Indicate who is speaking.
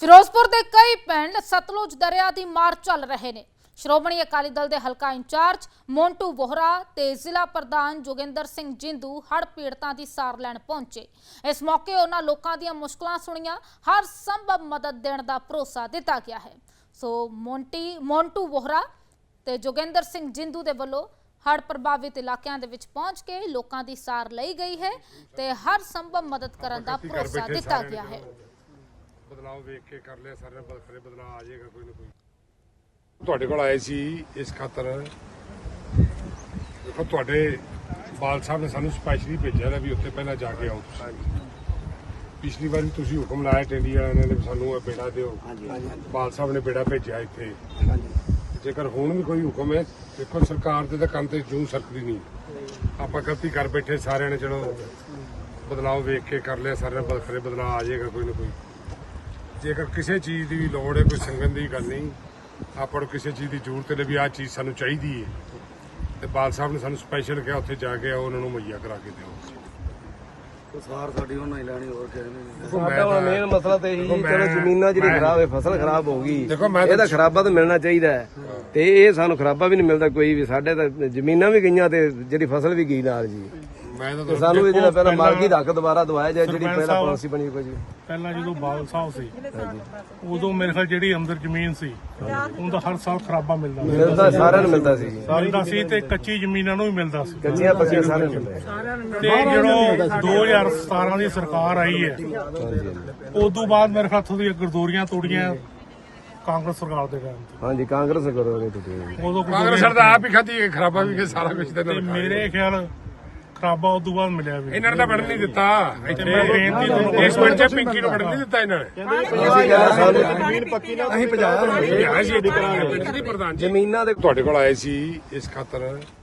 Speaker 1: ਫਿਰੋਜ਼ਪੁਰ ਦੇ ਕਈ ਪਿੰਡ ਸਤਲੁਜ ਦਰਿਆ ਦੀ ਮਾਰ ਚੱਲ ਰਹੇ ਨੇ। ਸ਼੍ਰੋਮਣੀ ਅਕਾਲੀ ਦਲ ਦੇ ਹਲਕਾ ਇੰਚਾਰਜ ਮੋਂਟੂ ਵੋਹਰਾ ਤੇ ਜ਼ਿਲ੍ਹਾ ਪ੍ਰਧਾਨ ਜੋਗਿੰਦਰ ਸਿੰਘ ਜਿੰਦੂ ਹੜ੍ਹ ਪੀੜਤਾਂ ਦੀ ਸਾਰ ਲੈਣ ਪਹੁੰਚੇ। ਇਸ ਮੌਕੇ ਉਹਨਾਂ ਲੋਕਾਂ ਦੀਆਂ ਮੁਸ਼ਕਲਾਂ ਸੁਣੀਆਂ, ਹਰ ਸੰਭਵ ਮਦਦ ਦੇਣ ਦਾ ਭਰੋਸਾ ਦਿੱਤਾ ਗਿਆ ਹੈ। ਸੋ ਮੋਂਟੂ ਵੋਹਰਾ ਤੇ ਜੋਗਿੰਦਰ ਸਿੰਘ ਜਿੰਦੂ ਦੇ ਵੱਲੋਂ ਹੜ੍ਹ ਪ੍ਰਭਾਵਿਤ ਇਲਾਕਿਆਂ ਦੇ ਵਿੱਚ ਪਹੁੰਚ ਕੇ ਲੋਕਾਂ ਦੀ ਸਾਰ ਲਈ ਗਈ ਹੈ ਤੇ ਹਰ ਸੰਭਵ ਮਦਦ ਕਰਨ ਦਾ ਭਰੋਸਾ ਦਿੱਤਾ ਗਿਆ ਹੈ।
Speaker 2: ਬਦਲਾਅ ਵੇਖ ਕੇ ਕਰ ਲਿਆ ਸਾਰੇ ਬਲਕਰੇ ਬਦਲਾਅ ਆ ਜਾਏਗਾ ਕੋਈ ਨਾ ਕੋਈ। ਤੁਹਾਡੇ ਕੋਲ ਆਏ ਸੀ ਇਸ ਖਾਤਰ, ਦੇਖੋ ਤੁਹਾਡੇ ਬਾਲ ਸਾਹਿਬ ਨੇ ਸਾਨੂੰ ਸਪੈਸ਼ਲੀ ਭੇਜਿਆ ਹੈ ਵੀ ਉੱਥੇ ਪਹਿਲਾਂ ਜਾ ਕੇ ਆਓ ਤੁਸੀਂ। ਪਿਛਲੀ ਵਾਰੀ ਤੁਸੀਂ ਹੁਕਮ ਲਾਇਆ ਟੈਂਡੀ ਵਾਲਿਆਂ ਨੇ ਵੀ ਸਾਨੂੰ ਇਹ ਬੇੜਾ ਦਿਓ, ਬਾਲ ਸਾਹਿਬ ਨੇ ਬੇੜਾ ਭੇਜਿਆ ਇੱਥੇ। ਜੇਕਰ ਹੁਣ ਵੀ ਕੋਈ ਹੁਕਮ ਹੈ, ਦੇਖੋ ਸਰਕਾਰ ਦੇ ਤਾਂ ਕੰਨ ਤੇ ਜੂੰ ਸਰਕਦੀ ਨਹੀਂ, ਆਪਾਂ ਗਲਤੀ ਕਰ ਬੈਠੇ ਸਾਰਿਆਂ ਨੇ। ਚਲੋ ਬਦਲਾਅ ਵੇਖ ਕੇ ਕਰ ਲਿਆ ਸਾਰੇ ਬਲਕਰੇ ਬਦਲਾਅ ਆ ਜਾਏਗਾ ਕੋਈ ਨਾ ਕੋਈ। ਜੇਕਰ ਕਿਸੇ ਚੀਜ਼ ਦੀ ਵੀ ਲੋੜ ਹੈ, ਕੋਈ ਸੰਗਨ ਦੀ ਗੱਲ ਨਹੀਂ, ਆਪਾਂ ਨੂੰ ਕਿਸੇ ਚੀਜ਼ ਦੀ ਜ਼ਰੂਰਤ ਹੈ ਵੀ ਆਹ ਚੀਜ਼ ਸਾਨੂੰ ਚਾਹੀਦੀ ਹੈ ਤੇ ਬਾਲ ਸਾਹਿਬ ਨੇ ਸਾਨੂੰ ਸਪੈਸ਼ਲ ਕਿਹਾ ਉੱਥੇ ਜਾ ਕੇ ਆਓ, ਉਹਨਾਂ ਨੂੰ ਮੁਹੱਈਆ ਕਰਾ ਕੇ ਦਿਓ।
Speaker 3: ਸਾਰ ਸਾਡੀ ਉਹਨਾਂ ਹੀ ਲੈਣੀ, ਹੋਰ ਕਿਸੇ ਨੇ।
Speaker 4: ਸਾਡਾ ਮੇਨ ਮਸਲਾ ਤੇ ਇਹੀ, ਚਲੋ ਜ਼ਮੀਨਾਂ ਜਿਹੜੀ ਖਰਾਬ ਹੈ, ਫਸਲ ਖਰਾਬ ਹੋ ਗਈ,
Speaker 2: ਦੇਖੋ
Speaker 4: ਇਹਦਾ ਖਰਾਬਾ ਤਾਂ ਮਿਲਣਾ ਚਾਹੀਦਾ ਹੈ ਤੇ ਇਹ ਸਾਨੂੰ ਖਰਾਬਾ ਵੀ ਨਹੀਂ ਮਿਲਦਾ ਕੋਈ ਵੀ। ਸਾਡੇ ਤਾਂ ਜ਼ਮੀਨਾਂ ਵੀ ਗਈਆਂ ਤੇ ਜਿਹੜੀ ਫਸਲ ਵੀ ਗਈ ਨਾਲ ਜੀ।
Speaker 2: ਮੈਂ ਤਾਂ
Speaker 4: ਤੇ ਸਾਨੂੰ ਇਹ ਜਿਹੜਾ ਪਹਿਲਾਂ ਮਾਲਕੀ ਦਾ ਹੱਕ ਦੁਬਾਰਾ ਦਵਾਇਆ ਜਾਏ, ਜਿਹੜੀ ਪਹਿਲਾਂ ਪਾਲਿਸੀ ਬਣੀ ਕੋਈ ਜੀ।
Speaker 5: ਪਹਿਲਾਂ ਜਦੋਂ ਬਾਦਲ ਸਾਹਿਬ ਸੀ ਉਦੋਂ ਮੇਰੇ ਖਿਆਲ ਜਿਹੜੀ ਅੰਦਰ ਜ਼ਮੀਨ ਸੀ ਉਹਦਾ ਹਰ ਸਾਲ ਖਰਾਬਾ
Speaker 4: ਮਿਲਦਾ ਸਾਰਿਆਂ ਨੂੰ ਮਿਲਦਾ ਸੀ ਜੀ।
Speaker 5: ਤੇ ਕੱਚੀ ਜ਼ਮੀਨਾਂ ਨੂੰ ਵੀ ਮਿਲਦਾ ਸੀ,
Speaker 4: ਕੱਚੀਆਂ ਪੱਕੀਆਂ ਸਾਰਿਆਂ ਨੂੰ ਮਿਲਦਾ।
Speaker 5: ਤੇ ਜਦੋਂ 2017 ਦੀ ਸਰਕਾਰ ਆਈ ਹੈ ਉਦੋਂ ਬਾਅਦ ਮੇਰੇ ਖਿਆਲ ਉੱਥੋਂ ਦੀਆਂ ਗਰਦੌਰੀਆਂ ਤੋੜੀਆਂ ਕਾਂਗਰਸ ਸਰਕਾਰ ਦੇ ਟਾਈਮ ਤੇ।
Speaker 4: ਹਾਂਜੀ, ਕਾਂਗਰਸ ਕਰੋਗੇ ਤੁਸੀਂ।
Speaker 5: ਉਦੋਂ
Speaker 2: ਕਾਂਗਰਸ ਸਰਕਾਰ ਆਪ ਹੀ ਖਾਧੀ, ਖਰਾਬਾ ਵੀ ਕੇ ਸਾਰਾ ਕੁਝ
Speaker 5: ਤੇ ਮੇਰੇ ਖਿਆਲ ਖਰਾਬਾ ਉਦੋਂ ਬਾਅਦ ਮਿਲਿਆ ਵੀ।
Speaker 2: ਇਹਨਾਂ ਨੇ ਤਾਂ ਵੜਨ ਨਹੀਂ ਦਿੱਤਾ ਇੱਥੇ।
Speaker 5: ਮੈਂ ਬੇਨਤੀ ਤੁਹਾਨੂੰ
Speaker 2: ਇਸ ਪਿੰਡ 'ਚ ਪਿੰਕੀ ਨੂੰ ਵੜਨ ਨਹੀਂ ਦਿੱਤਾ ਇਹਨਾਂ ਨੇ।
Speaker 4: ਜ਼ਮੀਨ ਪੱਕੀ ਨਾ ਅਸੀਂ 50
Speaker 2: ਆਏ ਸੀ ਇੱਥੇ ਪਿੰਡ ਦੇ ਪ੍ਰਧਾਨ ਜੀ।
Speaker 4: ਜ਼ਮੀਨਾਂ ਦੇ
Speaker 2: ਤੁਹਾਡੇ ਕੋਲ ਆਏ ਸੀ ਇਸ ਖਾਤਰ,